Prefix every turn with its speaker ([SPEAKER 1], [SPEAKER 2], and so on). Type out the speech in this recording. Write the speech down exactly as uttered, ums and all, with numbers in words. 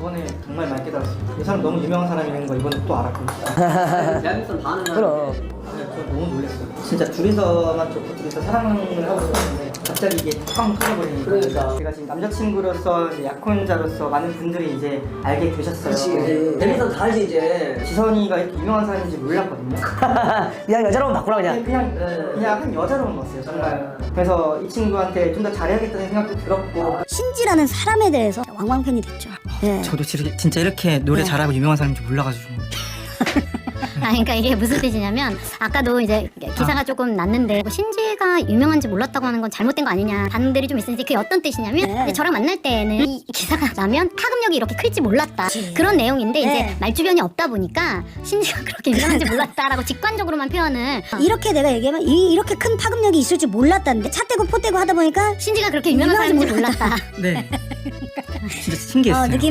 [SPEAKER 1] 이번에 정말 많이 깨달았어요. 이 사람 너무 유명한 사람이라는 거 이번에 또 알았거든요.
[SPEAKER 2] 대한민국 반응
[SPEAKER 3] 그럼.
[SPEAKER 1] 저 너무 놀랐어요. 진짜 둘이서만 좋고 둘이서 사랑을 하고 있었는데 갑자기 이게 팡 터져버리니까.
[SPEAKER 2] 그러니까.
[SPEAKER 1] 제가 지금 남자친구로서 이제 약혼자로서 많은 분들이 이제 알게 되셨어요.
[SPEAKER 2] 그치. 대리선 다 알지 이제.
[SPEAKER 1] 지선이가 이렇게 유명한 사람인지 몰랐거든요.
[SPEAKER 3] 그냥 여자로만 바꾸라 그냥.
[SPEAKER 1] 그냥
[SPEAKER 2] 네.
[SPEAKER 1] 그냥 한 여자로만 봤어요 정말. 그래서 이 친구한테 좀 더 잘해야겠다는 생각도 들었고.
[SPEAKER 4] 신지라는 사람에 대해서 왕왕팬이 됐죠. 예.
[SPEAKER 1] 저도 진짜, 진짜 이렇게 노래
[SPEAKER 4] 네.
[SPEAKER 1] 잘하고 유명한 사람인지 몰라가지고.
[SPEAKER 5] 아, 그러니까 이게 무슨 뜻이냐면 아까도 이제 기사가 조금 났는데 뭐 신지가 유명한지 몰랐다고 하는 건 잘못된 거 아니냐 반응들이 좀 있었는데 그게 어떤 뜻이냐면
[SPEAKER 4] 네.
[SPEAKER 5] 이제 저랑 만날 때는 이 기사가 나면 파급력이 이렇게 클지 몰랐다
[SPEAKER 4] 그치.
[SPEAKER 5] 그런 내용인데
[SPEAKER 4] 네.
[SPEAKER 5] 이제 말주변이 없다 보니까 신지가 그렇게 유명한지 몰랐다라고 직관적으로만 표현을
[SPEAKER 4] 이렇게 내가 얘기하면 이, 이렇게 큰 파급력이 있을 줄 몰랐다는데 차 떼고 포 떼고 하다 보니까
[SPEAKER 5] 신지가 그렇게 유명한
[SPEAKER 4] 유명한지
[SPEAKER 5] 사람인지 몰랐다.
[SPEAKER 1] 네. 진짜 신기했어요.
[SPEAKER 4] 어, 느낌